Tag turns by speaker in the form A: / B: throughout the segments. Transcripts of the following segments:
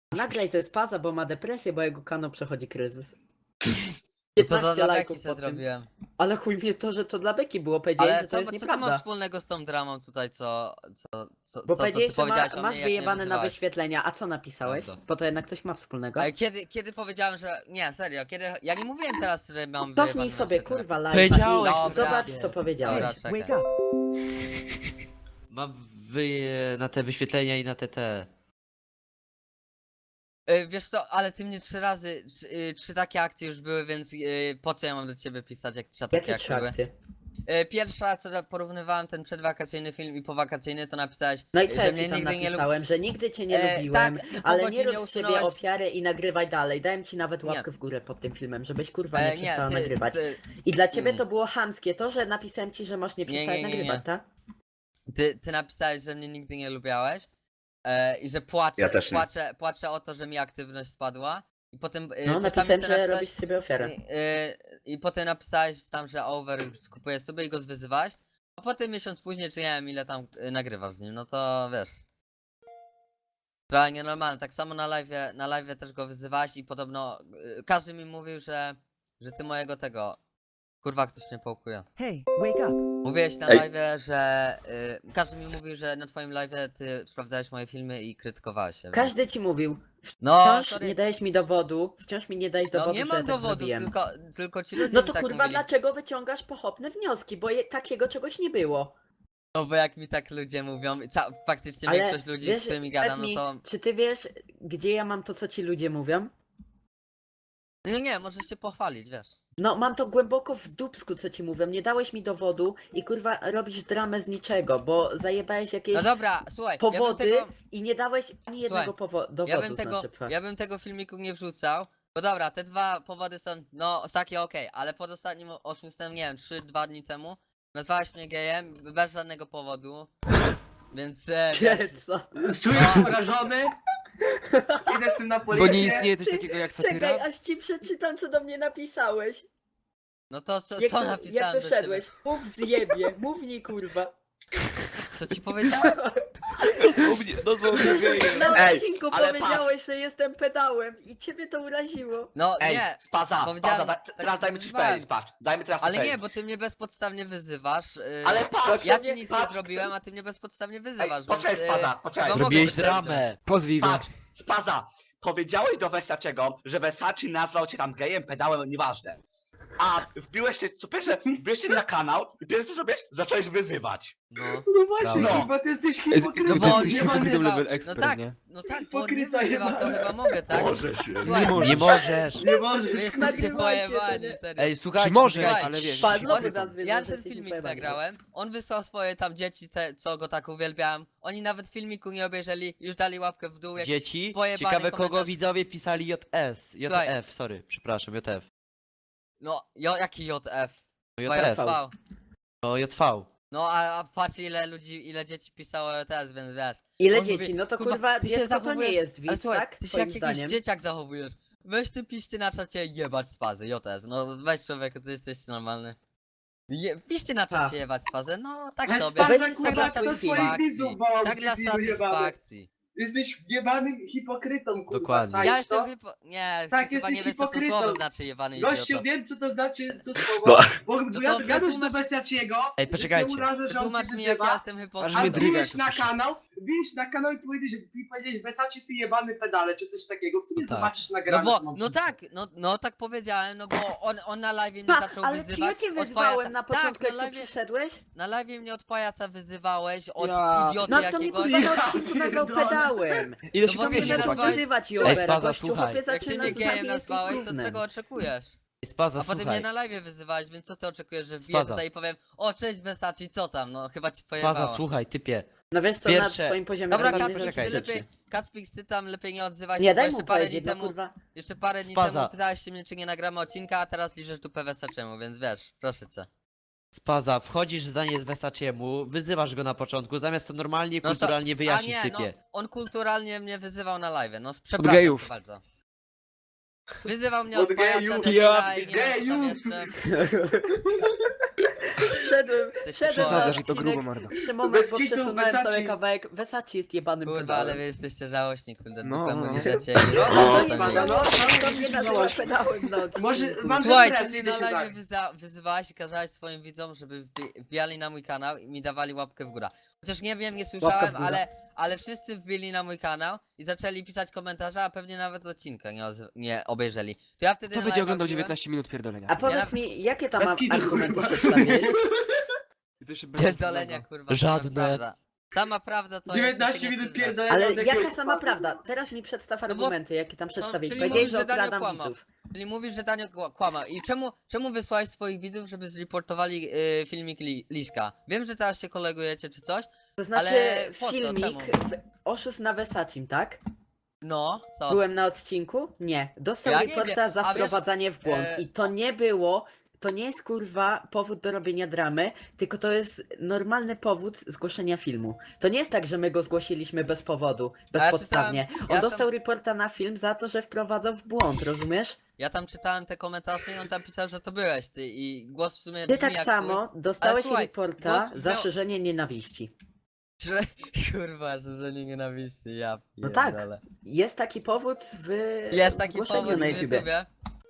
A: Nagraj ze Spaza, bo ma depresję, bo jego kanał przechodzi kryzys.
B: No co to
A: 15
B: dla
A: lajków
B: Beki se
A: po tym.
B: zrobiłem.
A: Ale chuj mnie to, że to dla Beki było. Powiedziałeś,
B: Ale
A: że to jest
B: co to ma
A: nieprawda.
B: wspólnego z tą dramą tutaj,
A: Bo
B: co
A: powiedziałeś,
B: ty
A: że
B: powiedziałeś o
A: masz
B: mnie, jak mnie
A: wyjebane na
B: wyzywałeś?
A: wyświetlenia. A co napisałeś?
B: Prawda.
A: Bo to jednak coś ma wspólnego.
B: Ale kiedy powiedziałem, że... Nie, serio, ja nie mówiłem teraz, że mam
A: Cofnij
B: wyjebane
A: sobie,
B: na wyświetlenia.
A: kurwa, live'a
C: Powiedziałeś,
A: i
B: dobra.
A: zobacz, co powiedziałeś.
B: Dobra, czekaj.
D: Wake up.
C: Mam na te wyświetlenia i na te.
B: Wiesz co, ale ty mnie 3 razy, 3 takie akcje już były, więc po co ja mam do ciebie pisać, jak 3 takie
A: Jakie 3
B: akcje były?
A: akcje?
B: Pierwsza, co porównywałem ten przedwakacyjny film i powakacyjny, to napisałeś,
A: No i co
B: że
A: ja
B: mnie
A: ci tam
B: nigdy nie
A: napisałem, że nigdy cię nie lubiłem,
B: tak, i po
A: ale nie
B: godzinie
A: rób z siebie
B: usunąłeś-
A: ofiary i nagrywaj dalej. Dałem ci nawet
B: Nie.
A: łapkę w górę pod tym filmem, żebyś kurwa nie przestała nagrywać.
B: ty,
A: I dla ciebie
B: Mm.
A: to było chamskie to, że napisałem ci, że masz nie przestać
B: nie,
A: nagrywać, tak?
B: ty napisałeś, że mnie nigdy nie lubiałeś i że
E: Ja też nie.
B: płaczę o to, że mi aktywność spadła. I potem
A: No
B: coś tam
A: napisałem,
B: jeszcze
A: że
B: napisałeś,
A: robisz z siebie ofiarę.
B: i potem napisałeś tam, że Over skupuje sobie i go zwyzywałeś. A potem miesiąc później, czy nie wiem ile tam nagrywał z nim, no to wiesz. Trochę nienormalne. Tak samo na live też go wyzywałeś i podobno każdy mi mówił, że ty mojego tego. Kurwa, ktoś mnie pałkuje.
D: Hey, wake up.
B: Mówiłeś na
E: Ej.
B: live, że każdy mi mówił, że na twoim live ty sprawdzałeś moje filmy i krytykowałeś się.
A: Każdy ci mówił.
B: No,
A: Wciąż
B: sorry.
A: nie dajesz mi dowodu, wciąż mi nie dajesz
B: No
A: dowodu,
B: nie
A: że
B: mam
A: ja tak
B: dowodów,
A: zrobiłem.
B: tylko ci ludzie
A: No
B: mi
A: to
B: tak
A: kurwa,
B: mówili.
A: dlaczego wyciągasz pochopne wnioski? Bo takiego czegoś nie było.
B: No bo jak mi tak ludzie mówią, faktycznie
A: Ale
B: większość ludzi,
A: wiesz,
B: z którymi
A: powiedz
B: gadam, no
A: mi,
B: to...
A: czy ty wiesz, gdzie ja mam to, co ci ludzie mówią?
B: Nie, możesz się pochwalić, wiesz.
A: No, mam to głęboko w dupsku, co ci mówią. Nie dałeś mi dowodu i kurwa robisz dramę z niczego, bo zajebałeś jakieś
B: No dobra, słuchaj,
A: powody i nie dałeś ani jednego
B: Słuchaj,
A: dowodu, znaczy,
B: ja bym tego filmiku nie wrzucał. Bo dobra, te 2 powody są, no takie okej, ale pod ostatnim oszustem, nie wiem, 3-2 dni temu nazwałeś mnie gejem bez żadnego powodu. Więc wiesz,
A: Co?
F: Czujesz się urażony? Idę z tym na
C: Bo
F: policję.
C: nie istnieje coś
A: Ty-
C: takiego jak
A: Czekaj,
C: satyra?
A: aż ci przeczytam, co do mnie napisałeś.
B: no to co
A: Jak
B: napisałem
A: tu
B: do
A: wszedłeś? Mów zjebie, mów nie kurwa.
B: ciebie? Co ci powiedziałem?
A: Na
E: Ej,
A: odcinku
E: ale
A: powiedziałeś, że jestem pedałem i ciebie to uraziło.
B: No
E: Ej,
B: nie,
E: Spaza,
B: powiedziałem, tak
E: teraz dajmy coś
B: wyzywałem.
E: powiedzieć, patrz, dajmy teraz
B: ale
E: coś
B: nie,
E: powiedzieć.
B: bo ty mnie bezpodstawnie wyzywasz.
E: Ale patrz,
B: Ja ci nic nie
E: patrz,
B: zrobiłem, a ty mnie bezpodstawnie
E: Ej,
B: wyzywasz,
E: poczekaj,
B: więc...
E: Spaza, poczekaj.
B: no
C: Zrobiłeś
B: mogę-
C: dramę. Pozwij go.
E: Patrz, Spaza, powiedziałeś do Versaczego, że Versace nazwał cię tam gejem, pedałem, nieważne. A wbiłeś się, co pierwsze, wbiłeś się na kanał i pierwsze co zrobiłeś, zacząłeś wyzywać.
B: No.
F: No właśnie,
E: No.
F: chyba ty jesteś
B: No
F: hipokrytą.
B: bo on
C: jesteś
B: nie
C: hipokrytą
B: wyzywał.
C: level
B: No
C: expert,
B: tak,
C: nie?
B: no tak, bo on nie
F: Hipokryta
B: wyzywał, to
F: jebana.
B: chyba mogę, tak?
E: Boże się.
B: Słuchaj,
C: Nie możesz.
F: Nie
B: Wy
F: możesz.
B: jesteście
A: Nagrywajcie to,
B: pojebani,
A: nie?
B: serio.
C: Ej, słuchajcie,
A: Czy możesz,
C: słuchajcie,
B: ale
C: wiesz,
A: Pa,
C: hipokrytą.
A: znowu nas wyzywasz,
B: Ja
A: że
B: ten
A: jesteśmy
B: filmik
A: pojebani.
B: nagrałem, on wysłał swoje tam dzieci, co go tak uwielbiałem. Oni nawet filmiku nie obejrzeli, już dali łapkę w dół. Jakiś
C: Dzieci?
B: pojebany
C: Ciekawe kogo
B: komentarz.
C: widzowie pisali JS.
B: Słuchaj.
C: JF, sorry, przepraszam, JF.
B: No, jaki JF?
C: No
B: Chyba
C: JF.
B: JV.
C: No JV.
B: No, a patrz ile dzieci pisało JS, więc wiesz.
A: Ile
B: On
A: dzieci?
B: mówi,
A: No to
B: kurwa,
A: kurwa,
B: ty się
A: dziecko to nie
B: zachowujesz-
A: jest
B: Ale
A: widz,
B: słuchaj,
A: tak?
B: ty się
A: Twoim
B: jak jakiś
A: zdaniem.
B: dzieciak zachowujesz. Weź ty piszcie na czacie jebać z fazy, JS. No weź człowieku, ty jesteś normalny. Piszcie na
A: Ha.
B: czacie jebać z fazy, no tak
F: Ale
B: sobie.
F: Spaza,
A: Weź
F: kurwa,
B: dla
F: kto swoich
B: satysfakcji.
F: widzów wołał,
B: Tak dla
F: debilu jebany.
B: satysfakcji.
F: Jesteś jebanym hipokrytą, kurwa.
C: Dokładnie.
F: czaisz
B: Ja
F: to?
B: jestem nie,
F: Tak,
B: ty chyba nie
F: jesteś
B: wiesz co to
F: hipokrytą.
B: słowo znaczy jebany
F: Gościu,
B: idioto.
F: wiem co to znaczy to słowo,
E: No.
F: bo
B: No
F: ja
B: to
F: gadłeś do
B: wytłumacz-
F: Versaciego,
C: Ej, poczekajcie.
F: że cię uraża, że on
B: Tłumacz
F: cię
B: mi jak ja
F: wyzywa,
B: jestem
C: Aż
B: hipokrytą.
F: a
C: mnie dryga,
F: wbiłeś
C: jak
F: na
C: to słyszę.
F: kanał, i powiedziałeś Versace ty jebany pedale, czy coś takiego, w sumie
C: No tak.
F: zobaczysz
B: No
F: nagrane.
B: bo,
F: mam
B: no
F: wszystko.
B: tak, no tak powiedziałem, no bo on na live mnie
A: Pa,
B: zaczął
A: ale czy
B: wyzywać.
A: ja cię
B: od
A: wyzwałem
B: pajaca.
A: na początku,
B: tak,
A: jak tu przyszedłeś?
B: na live mnie od pajaca wyzywałeś, od
F: Ja.
B: idioty
A: No to mnie
B: jakiegoś.
A: kurwa na odcinku nazwał
F: pierdolę.
A: pedałem.
C: Ile
B: No
C: się
B: bo
A: To mnie
B: ty mnie
A: zaczął
B: nazwałeś-
A: wyzywać
C: Ej,
A: Jobera,
C: Spaza,
A: gościu,
C: słuchaj.
A: chłopie
B: Jak ty
A: zaczyna
B: mnie
A: z
B: gejem
A: nami, jesteś
B: nazwałeś, to
A: gównem.
B: czego oczekujesz?
C: Spaza,
B: A potem
C: słuchaj.
B: mnie na live wyzywałeś, więc co ty oczekujesz, że wbiję
C: Spaza.
B: tutaj i powiem o cześć Versace, co tam, no chyba ci
C: Spaza,
B: pojebało.
C: słuchaj, typie.
A: No wiesz co, na
C: Pierwsze-
A: swoim poziomie
B: Dobra,
A: robią
B: Kacpix,
C: poczekaj,
B: ty
A: rzeczy.
B: lepiej, Kacpix, ty tam lepiej nie odzywaj się,
A: Nie,
B: bo
A: daj
B: jeszcze
A: mu
B: parę dni
A: powiedzieć, no
B: temu,
A: kurwa.
B: jeszcze parę dni
C: Spaza.
B: temu pytałeś się mnie, czy nie nagramy odcinka, a teraz liżesz dupę Versaczemu, więc wiesz, proszę cię.
C: Spaza, wchodzisz w zdanie z Versaciemu, wyzywasz go na początku, zamiast to normalnie,
B: No to-
C: kulturalnie wyjaśnić
B: A nie, no,
C: typie.
B: on kulturalnie mnie wyzywał na live, no przepraszam
C: gejów.
B: cię bardzo. Wyzywał mnie
F: Od
B: od pajaca
F: gejów.
B: debila i nie wiem co tam
F: Gejów.
B: jeszcze.
A: Szedłem
B: Jesteście
A: na
B: chorzy.
D: Przesadzasz i to grubo,
A: odcinek
D: mordo.
A: przy moment,
F: Bez
A: bo
F: kitu,
A: przesunąłem
F: Versace.
A: cały kawałek. Versace jest jebanym
B: Kurde,
A: pedałem.
B: ale wy jesteście żałośni, kurde,
D: No,
B: dupę
D: no.
B: mu liżecie
A: No
F: No,
A: to
F: no,
A: jest
F: no,
A: no,
F: no,
A: to mnie nazywa pedałem na odcinku.
F: Może mam
B: Słuchaj,
F: depresję,
B: ty na
F: idę się
B: live
F: tak.
B: wyzywałeś i kazałeś swoim widzom, żeby wbijali na mój kanał i mi dawali łapkę w górę. Chociaż nie wiem, nie słyszałem,
A: w górę.
B: ale wszyscy wbili na mój kanał i zaczęli pisać komentarze, a pewnie nawet odcinka nie obejrzeli. To ja wtedy
D: To
B: na
D: będzie
B: live'a
D: oglądał
B: wbiłem-
D: 19 minut pierdolenia.
A: A powiedz mi, jakie tam
F: Bez kitu,
A: argumenty
F: kurwa.
A: przedstawiłeś?
D: I to jeszcze bez
B: Pierdolenia, kurwa.
C: Żadne.
B: Sama prawda to
F: 19
B: jest, że się nie
F: minut
B: przyznasz.
F: pierdolenia.
A: Ale
F: od jakiegoś
A: jaka sama
F: spadku.
A: prawda? Teraz mi przedstaw
B: No bo-
A: argumenty, jakie tam przedstawiłeś.
B: czyli
A: Powiedziałeś,
B: mówisz,
A: że
B: że Daniel
A: okradam
B: kłamał.
A: widzów.
B: Czyli mówisz, że Daniel kłamał. I czemu wysłałeś swoich widzów, żeby zreportowali filmik Liska? Wiem, że teraz się kolegujecie czy coś.
A: To znaczy
B: Ale po co?
A: filmik
B: Czemu?
A: oszust na Vesacim, tak?
B: No, co?
A: Byłem na odcinku? Nie. Dostał
B: Ja nie
A: reporta
B: wiem.
A: za
B: A wiesz,
A: wprowadzanie w błąd. I to nie było, to nie jest kurwa powód do robienia dramy, tylko to jest normalny powód zgłoszenia filmu. To nie jest tak, że my go zgłosiliśmy bez powodu, bezpodstawnie.
B: czytałem-
A: On
B: ja tam-
A: dostał reporta na film za to, że wprowadzał w błąd, rozumiesz?
B: Ja tam czytałem te komentarze i on tam pisał, że to byłeś ty i głos w sumie
A: Ty
B: brzmi
A: tak
B: jak
A: samo dostałeś
B: słuchaj,
A: reporta
B: głos
A: za
B: miał-
A: szerzenie nienawiści.
B: twój. Że, kurwa, że nie nienawiści, ja
A: No tak.
B: pierdolę.
A: Jest taki powód w
B: Jest taki
A: zgłoszeniu
B: powód
A: na
B: na
A: YouTubie.
B: YouTubie.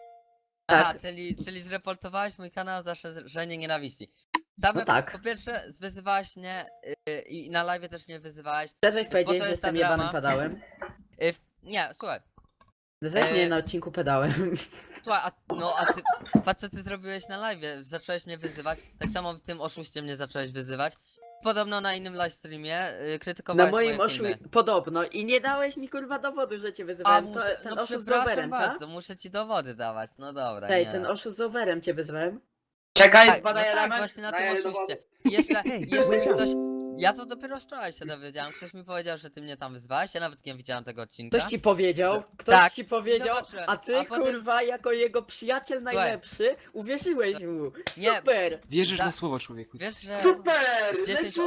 B: Aha,
A: Tak.
B: czyli zreportowałeś mój kanał za szerzenie nienawiści. Same,
A: No tak.
B: Po pierwsze, wyzywałeś mnie i na live też mnie wyzywałeś.
A: Przedłeś powiedzieć,
B: to
A: że
B: jest ta
A: jestem jebanym
B: drama.
A: pedałem.
B: Nie, słuchaj.
A: Nazwałeś
B: E,
A: mnie na odcinku pedałem.
B: Słuchaj, a ty, patrz co ty zrobiłeś na live, zacząłeś mnie wyzywać, tak samo w tym oszuście mnie zacząłeś wyzywać. Podobno na innym livestreamie
A: Na
B: krytykowałeś
A: moim
B: moje filmy.
A: podobno. I nie dałeś mi kurwa dowodu, że cię wyzywałem. To, ten
B: no
A: oszust z
B: przepraszam
A: overem, tak?
B: bardzo, muszę ci dowody dawać, no dobra,
A: Ej,
B: nie.
A: ten oszust z overem cię wyzwałem.
F: Czekaj,
B: Tak,
F: zbadaj
B: no tak,
F: element.
B: właśnie na
F: daję
B: tym
F: dowody.
B: oszuście. I jeszcze mi
D: wake up.
B: ktoś... Ja to dopiero wczoraj się dowiedziałem, ktoś mi powiedział, że ty mnie tam wyzwałeś, ja nawet nie widziałem tego odcinka.
A: Ktoś ci powiedział, ktoś
B: Tak,
A: ci powiedział,
B: zobaczyłem.
A: a ty
B: A potem-
A: kurwa jako jego przyjaciel najlepszy uwierzyłeś mu.
B: Nie.
A: Super!
D: Wierzysz
B: Da-
D: na słowo, człowieku.
B: Wiesz, że
F: Super!
B: 10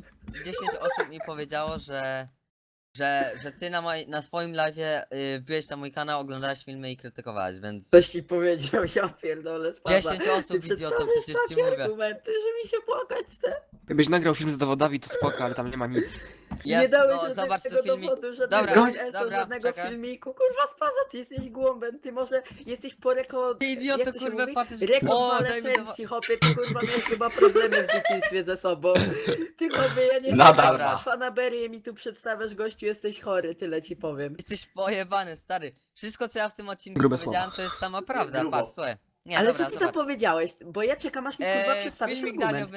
B: osób mi powiedziało, że ty na swoim live'ie byłeś na mój kanał, oglądałeś filmy i krytykowałeś, więc...
A: Ktoś ci powiedział, ja pierdolę spaza.
B: 10 osób,
A: Ty
B: idioto,
A: przedstawiasz
B: przecież ci
A: takie
B: mówię.
A: argumenty, że mi się płakać chce.
D: Jakbyś nagrał film z dowodami, to spoko, ale tam nie ma nic.
A: Nie
B: Jest,
A: dałeś
B: no, zobacz
A: żadnego
B: co filmik.
A: dowodu, żadnego
B: Dobra,
A: sensu,
B: dobra,
A: żadnego
B: czekaj.
A: filmiku. Kurwa spaza, ty jesteś głąbem, ty może jesteś po
B: Ty idioto,
A: jak to się
B: kurwa,
A: mówi?
B: patrzysz-
A: Rekonwalescencji, hopie, ty kurwa miałeś chyba problemy w dzieciństwie ze sobą. Ty hopie, ja nie
E: Nadal
A: wiem,
B: ma.
A: fanaberię mi tu przedstawiasz, gościu, jesteś chory, tyle ci powiem.
B: Jesteś pojebany, stary. Wszystko co ja w tym odcinku
D: Grube
B: powiedziałem to jest sama prawda,
F: Grubo.
B: patrz, słuchaj. Nie,
A: Ale
B: dobra,
A: co ty tam
B: zobacz.
A: powiedziałeś? Bo ja czekam aż mi kurwa przedstawisz
B: Filmik
A: argument.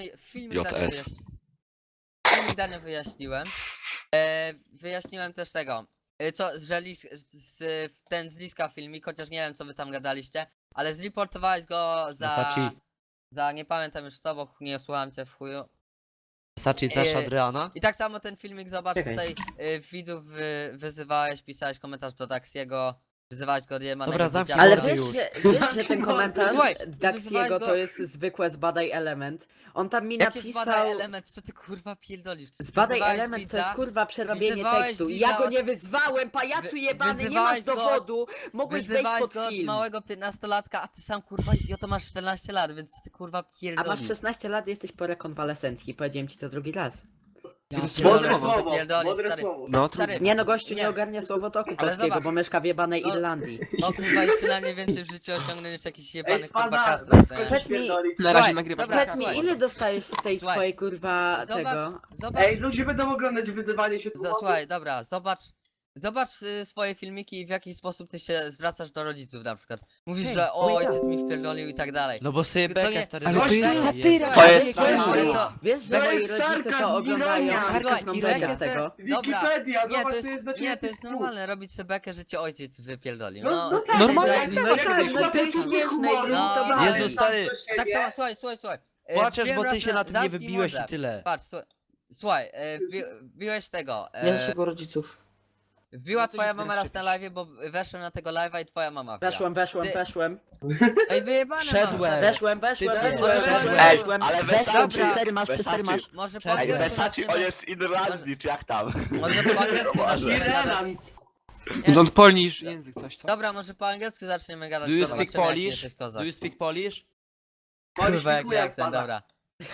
B: Daniel wyjaśniłem. Wyjaśniłem też tego. Że ten z Liska filmik, chociaż nie wiem co wy tam gadaliście, ale zreportowałeś go
C: Versace.
B: za nie pamiętam już co, bo nie słuchałem cię w chuju.
C: Versace zaś Adriana?
B: I tak samo ten filmik, zobacz,
A: Czekaj.
B: tutaj widzów wyzywałeś, pisałeś komentarz do Daxiego, wyzywałeś go od jebanego
C: Dobra, zamknij
B: dzieciaka.
A: Ale
C: Dobra,
A: wiesz,
C: już.
A: że ten komentarz
B: Słuchaj, ty
A: Daxiego
B: wyzywałeś go-
A: to jest zwykłe zbadaj element. On tam mi
B: Jakie
A: napisał...
B: zbadaj element, co ty kurwa pierdolisz?
A: Zbadaj
B: Wyzywałeś
A: element, to
B: widza,
A: jest kurwa przerobienie
B: wyzywałeś
A: tekstu.
B: widza
A: Ja go
B: od-
A: nie wyzwałem, pajacu jebany, nie
B: wyzywałeś
A: masz
B: go od-
A: dowodu, mogłeś wejść
B: wyzywałeś
A: pod
B: go od
A: film.
B: małego 15-latka, a ty sam kurwa idioto masz 14 lat, więc co ty kurwa
A: A
B: pierdolisz?
A: masz 16 lat, jesteś po rekonwalescencji, powiedziałem ci to drugi raz.
D: To jest
B: pierdolę,
F: Mądre
B: co ty
F: słowo,
B: pierdolisz,
F: mądre
B: stary.
F: słowo.
D: No,
B: Stary,
D: trudno.
A: Nie no, gościu nie
B: Nie.
A: ogarnia słowotoku
B: Ale
A: polskiego,
B: zobacz.
A: bo mieszka w jebanej
B: No.
A: Irlandii.
B: No kurwa i przynajmniej więcej w życiu osiągnął niż jakiś
F: Ej,
B: jebany kurwa
F: spada,
B: kastrat, nie?
F: skończ
A: Powiedz mi-
F: pierdolić.
D: Na razie
B: Słuchaj,
D: nagrywasz.
B: dobra,
A: Powiedz mi,
B: słuchaj.
A: ile dostajesz z tej
B: Słuchaj.
A: swojej kurwa tego?
B: Zobacz,
F: Ej, ludzie będą oglądać wyzywanie się tu osób.
B: słuchaj, dobra, zobacz swoje filmiki i w jaki sposób ty się zwracasz do rodziców na przykład. Mówisz,
A: Hej,
B: że
A: wake
B: ojciec mi wpierdolił i tak dalej.
C: No bo sobie
B: To
C: bekę
B: nie-
C: stary
D: Ale to
C: robisz.
D: jest
A: satyra,
E: To jest
A: wiesz,
E: satyra.
A: Wiesz, że
F: To
A: moi
F: jest
A: rodzice
F: sarkazm,
A: to oglądają,
F: ironia.
A: sarkazm
B: Słuchaj,
A: bekę z tego.
B: Dobra.
F: Wikipedia,
B: Nie,
F: zobacz
B: to
F: co
B: jest,
F: jest
B: nie,
F: znaczenie
B: to jest
F: tych
B: normalne, robić sobie bekę, że cię ojciec wypierdolił.
F: No,
B: No,
F: no tak,
D: Normalnie.
B: zajebiste.
A: No
F: jak
A: tak,
F: ty
A: no to jest
F: poczucie
A: śmieszne i
F: humoru,
B: No,
A: to
B: Jezu,
A: bawi.
C: Jezu, stary.
B: Tak samo, słuchaj.
C: Płaczesz,
B: Wiem
C: bo
B: raz
C: ty się na tym nie
B: zamknij
C: wybiłeś
B: mordę.
C: i tyle.
B: Patrz, słuchaj, biłeś tego.
A: Naszego rodziców.
B: Wbiła
D: No to
B: twoja
D: się
B: mama
D: teraz
B: raz na live, bo weszłem na tego live'a i twoja mama wbiła.
A: Weszłem.
B: Ej, wyjebane
C: Wszedłem.
B: mam, stary.
A: Weszłem.
C: Ej,
E: ale
A: Weszłem,
E: Versace-
A: 4 masz, 4 masz.
B: Może po
C: Czekaj,
E: Ej,
B: angielsku
E: Versace,
B: zaczniemy-
E: on jest z Irlandii, czy jak tam?
B: Może po angielsku zaczniemy gadać.
F: Irland.
D: Don't Polish język, coś co?
B: Dobra, może po angielsku zaczniemy gadać.
C: Do you
B: zobaczymy,
C: speak
B: jaki
C: Polish?
B: jesteś kozak.
C: Do you speak Polish?
B: Kurwa, jak
F: Polish
B: jestem,
F: pada.
B: dobra.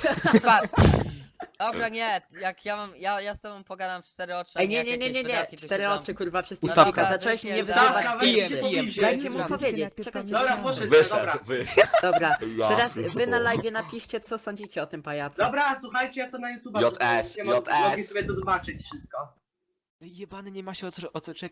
B: Dobra, nie, jak ja mam, ja z tobą pogadam w 4 oczy, a
A: Ej,
B: nie
A: nie,
B: jak
A: nie, nie,
B: jakieś
A: nie, nie.
B: pedałki tu
A: 4
B: siedzą.
A: oczy, kurwa, przez
D: Ustawka.
A: TikToka. Zacząłeś mnie
B: Wypierdalaj.
A: wyzywać.
F: Dobra, weź
A: Dajcie
F: się
A: mu
F: pobicie.
A: Dajcie mu
G: Dobra,
A: powiedzieć.
G: najpierw
A: Czekajcie.
F: Dobra,
G: powiedziałem.
F: poszedł,
E: Wyszedł,
F: dobra.
A: Dobra,
E: Ja
A: teraz wy
E: pierdolę.
A: na live napiszcie, co sądzicie o tym pajacu.
F: Dobra, słuchajcie, ja to na YouTube.
E: JS.
F: Mogli sobie to zobaczyć wszystko.
D: Jebany nie ma się o co czepiać.